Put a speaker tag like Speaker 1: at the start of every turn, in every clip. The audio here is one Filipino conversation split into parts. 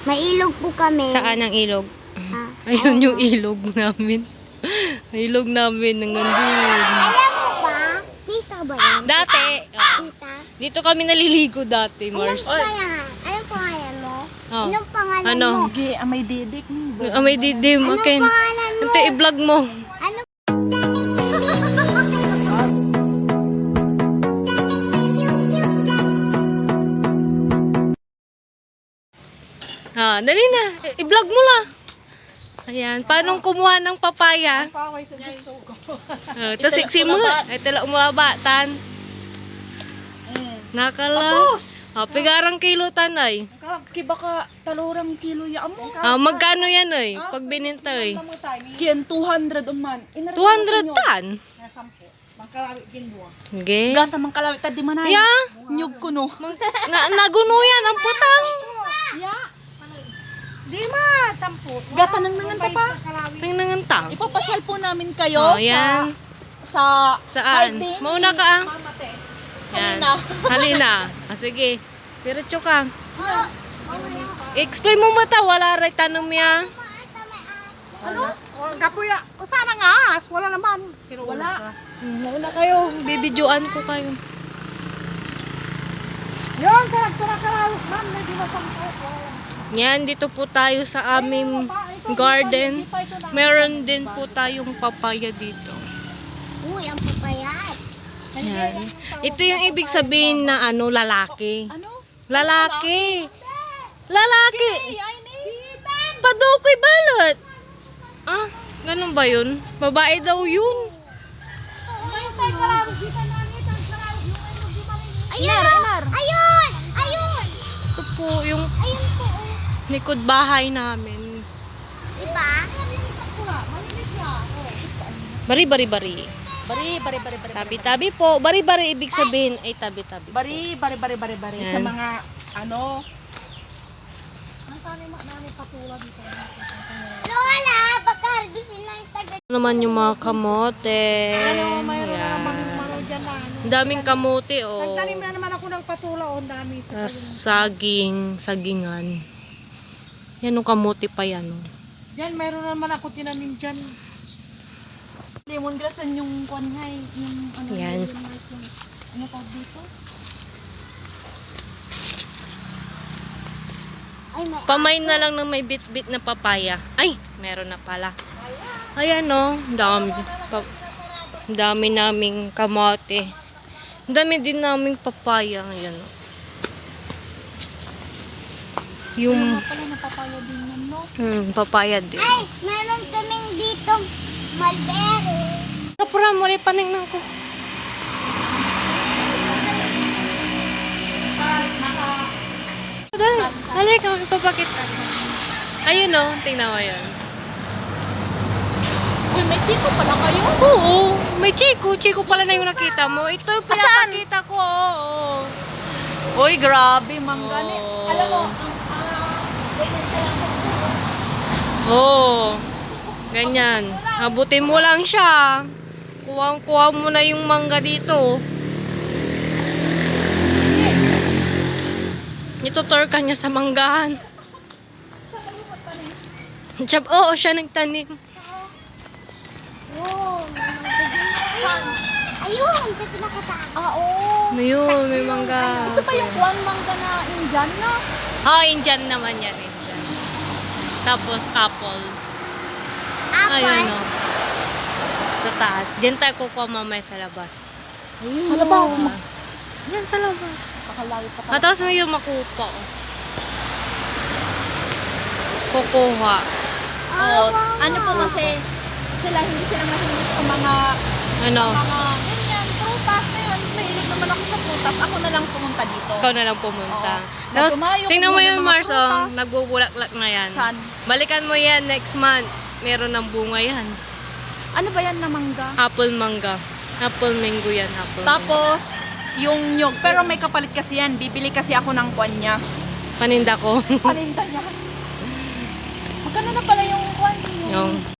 Speaker 1: May ilog po kami.
Speaker 2: Saan ang ilog?
Speaker 1: Ah,
Speaker 2: Ayun yung ilog namin. Ilog namin ng nandun.
Speaker 1: alam mo ba? Tita ba yan?
Speaker 2: Dati, oo.
Speaker 1: Tita?
Speaker 2: Dito kami naliligo dati,
Speaker 1: Anong
Speaker 2: Mars.
Speaker 1: pangalan? Anong pangalan mo?
Speaker 2: Oh.
Speaker 1: Anong pangalan
Speaker 2: Ano?
Speaker 1: mo?
Speaker 3: May didik.
Speaker 2: May didim.
Speaker 1: Anong
Speaker 2: Okay.
Speaker 1: pangalan mo?
Speaker 2: Ito, i-vlog mo.
Speaker 1: Ano?
Speaker 2: Dali na. I-vlog mo la. Ayan. Paano kumuha ng papaya?
Speaker 3: Paway sa gusto ko.
Speaker 2: Ito, siksi mo. Ito lang umabatan. Nakala. Pigarang kilo tanay.
Speaker 3: Kiba ka talorang kilo ya mo.
Speaker 2: Magkano yan ay? Pag bininta ay?
Speaker 3: Kian 200 man.
Speaker 2: 200 tan? Okay.
Speaker 3: Gata man kalawit tadi man ay.
Speaker 2: Yeah.
Speaker 3: Nyug ko no.
Speaker 2: Naguno yan ang putang.
Speaker 3: Ya. Di ma, 10. Gata nang nanganta pa.
Speaker 2: Nangangantang.
Speaker 3: Ipapasyal po namin kayo
Speaker 2: Yan.
Speaker 3: sa
Speaker 2: Saan?
Speaker 3: Hardin.
Speaker 2: Mauna ka.
Speaker 3: Mamate.
Speaker 2: Yan.
Speaker 3: Halina.
Speaker 2: Halina. Sige. Diretso ka. Explain mo mata. Wala rin tanong niya.
Speaker 3: Ano? Gapuya. O sana nga. Wala naman. Wala.
Speaker 2: Mauna kayo. Bibidyoan ko kayo.
Speaker 3: Yun, kalawit. Ma'am, hindi masampo.
Speaker 2: Yan. Dito po tayo sa aming garden. Meron din po tayong papaya dito.
Speaker 1: Uy, ang papayat.
Speaker 2: Yan. Ito yung ibig sabihin na lalaki.
Speaker 3: Ano?
Speaker 2: Lalaki. Lalaki.
Speaker 3: Ay,
Speaker 2: Padukoy balot. Ganun ba yun? Babae daw yun.
Speaker 1: Ayun! Ayun! Ayun!
Speaker 2: Ito po yung
Speaker 1: Ayun po.
Speaker 2: likod bahay namin.
Speaker 1: Diba?
Speaker 2: Bari, bari, bari.
Speaker 3: Bari.
Speaker 2: Tabi-tabi po. Bari, bari ibig sabihin ay tabi-tabi.
Speaker 3: Bari.
Speaker 2: Yan.
Speaker 3: Sa mga, ano,
Speaker 1: Lola, baka harbisin ng taga.
Speaker 2: Ano naman yung mga kamote.
Speaker 3: mayroon na
Speaker 2: Yan.
Speaker 3: namang ano dyan na, ano.
Speaker 2: Ang daming kamote, oh.
Speaker 3: Nagtanim na naman ako ng patula, o dami.
Speaker 2: Tas sagingan. Yan yung kamote pa yan, oh.
Speaker 3: Yan, mayroon na naman ako tinanim dyan. Lemongrass, yung kwanhay, yung ano,
Speaker 2: Yan.
Speaker 3: lemongrass, yung, ano tawag dito?
Speaker 1: Ay, may
Speaker 2: Pamain na lang ng may bit-bit na papaya. Ay, meron na pala. Ayan, oh. Dami naming kamote. Dami din naming papaya. Ayan, oh. Yung
Speaker 3: Pala napapaya din yan, no?
Speaker 2: papaya din.
Speaker 1: Ay, meron kaming dito mulberry.
Speaker 2: Kapura mo rin paningnan ko. Dali ka, ipapakita ko. Ayun, oh. Tingnan mo yun.
Speaker 3: Uy, may chiko pala kayo?
Speaker 2: Oo, may chiko. Chiko pala na yung nakita mo. Ito yung pinapakita ko. Oo.
Speaker 3: Uy, grabe, manggani.
Speaker 2: Oh.
Speaker 3: Alam mo,
Speaker 2: Oo. Ganyan. Habutin mo lang siya. Kuha mo na yung mangga dito. Itutor ka niya sa manggahan. Oo, siya nagtanim.
Speaker 1: Wow, ayun, sa pinakataan.
Speaker 3: oo.
Speaker 2: Ayun, may mangga.
Speaker 3: Ito pa yung kwan mangga na Indian na.
Speaker 2: Indian naman yan. Indian. Tapos apple.
Speaker 1: Apple.
Speaker 2: Ayun, no. Sa taas. Diyan tayo kukuha mamaya sa labas.
Speaker 3: Sa labas.
Speaker 2: Yan, sa labas.
Speaker 3: Pakalawi pa
Speaker 2: Tapos may yung makupa. Oh. Kukuha.
Speaker 3: Oo. Ano po kasi, hindi sila mahilig sa mga
Speaker 2: Ano?
Speaker 3: ganyan, prutas na yun. Mahilig naman ako sa prutas. Ako na lang pumunta dito.
Speaker 2: Ikaw na lang pumunta.
Speaker 3: Oo.
Speaker 2: Tapos,
Speaker 3: Nagdumayo,
Speaker 2: tingnan mo
Speaker 3: kumuha ng
Speaker 2: yung
Speaker 3: mga
Speaker 2: Mars, oh.
Speaker 3: prutas.
Speaker 2: Nagbubulak-lak na yan.
Speaker 3: Saan?
Speaker 2: Balikan mo yan next month. Meron ng bunga yan.
Speaker 3: Ano ba yan na mangga?
Speaker 2: Apple mangga. Apple mango yan. Apple
Speaker 3: Tapos, yung nyog. Pero may kapalit kasi yan. Bibili kasi ako ng kwan niya.
Speaker 2: mango. Paninda ko.
Speaker 3: Paninda niya. Magkano na pala yung kwan?
Speaker 2: yung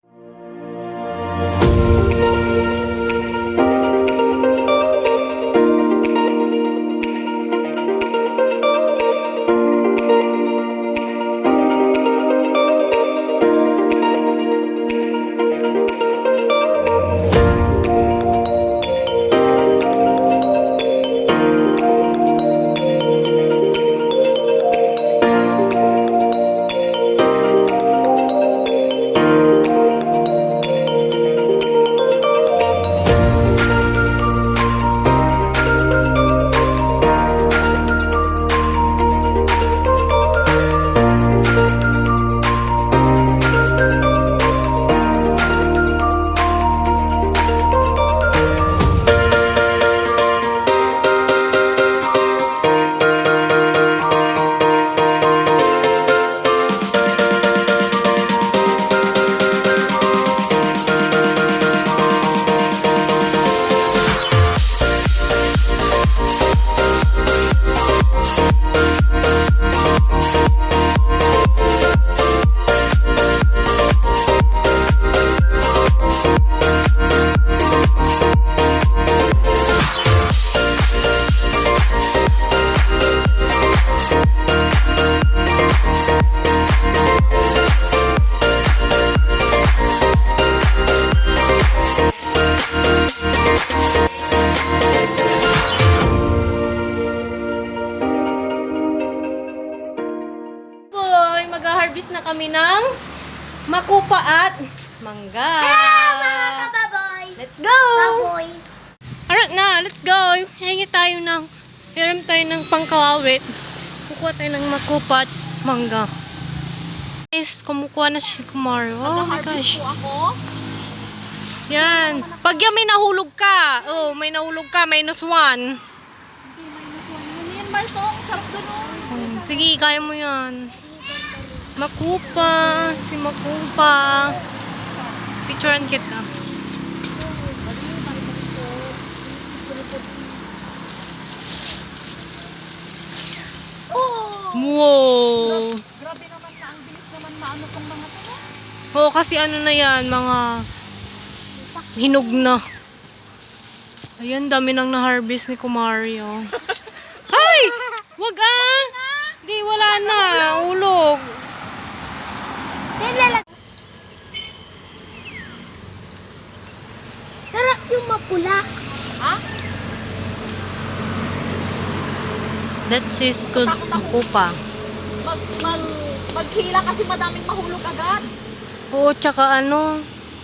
Speaker 2: mag-harvest na kami ng makupa at mangga.
Speaker 1: Baboy.
Speaker 2: Let's go!
Speaker 1: Baboy.
Speaker 2: Alright na, let's go! Hingi tayo ng, hiram tayo ng pangkawawit. Kukuha tayo ng makupa at mangga. Guys, kumukuha na si Kumar. Oh my gosh.
Speaker 3: Po ako.
Speaker 2: Yan. Pag yan may nahulog ka. Oh, may nahulog ka. -1.
Speaker 3: Hindi, minus 1. Ano yan, Marsong? Sarap doon, oh.
Speaker 2: Sige, kaya mo yan. Makupa. Si Makupa. Picturean kita.
Speaker 3: Oh!
Speaker 2: Wow.
Speaker 3: Grabe naman na, ang bilis naman maano tong mga to.
Speaker 2: Oo, kasi ano na yan, mga hinog na. Ayan, dami nang na-harvest ni Kumario. Ay! Wag ah! Di, wala na. Ulog.
Speaker 1: Sarap yung mapula.
Speaker 3: Ha?
Speaker 2: That is good. Makupa.
Speaker 3: Maghila kasi madaming mahulog agad.
Speaker 2: Oo, tsaka ano,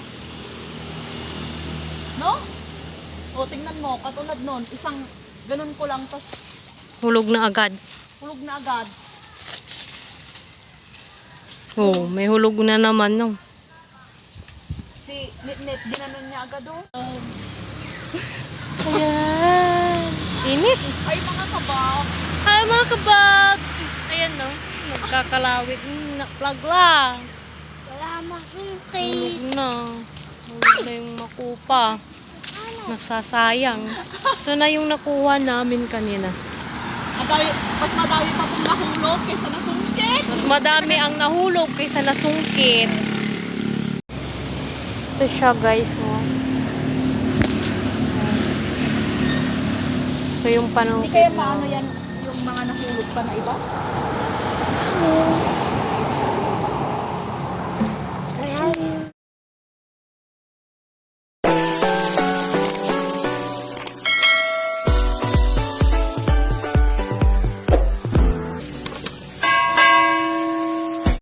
Speaker 3: No? O, tingnan mo, katulad nun, isang ganun ko lang, tas
Speaker 2: hulog na agad.
Speaker 3: hulog na agad.
Speaker 2: Oo, may hulog na naman, no?
Speaker 3: Si Nit-Nit, ginanon niya agad, oh.
Speaker 2: Ayan. Init.
Speaker 3: Ay, mga kabaw.
Speaker 2: Hi, mga kababs. Ayan, no? Nagkakalawit. Plug lang.
Speaker 1: Wala masungkay.
Speaker 2: Hulog na. Hulog na yung makupa. Nasasayang. Ito na yung nakuha namin kanina.
Speaker 3: Mas madami pa pong nahulog kaysa nasungkit.
Speaker 2: Mas madami ang nahulog kaysa nasungkit. Ito siya, guys. Oh. Ito yung
Speaker 3: Hindi
Speaker 2: panungkit
Speaker 3: kaya
Speaker 2: na.
Speaker 3: paano yan yung mga nahulog pa na iba?
Speaker 2: Oo.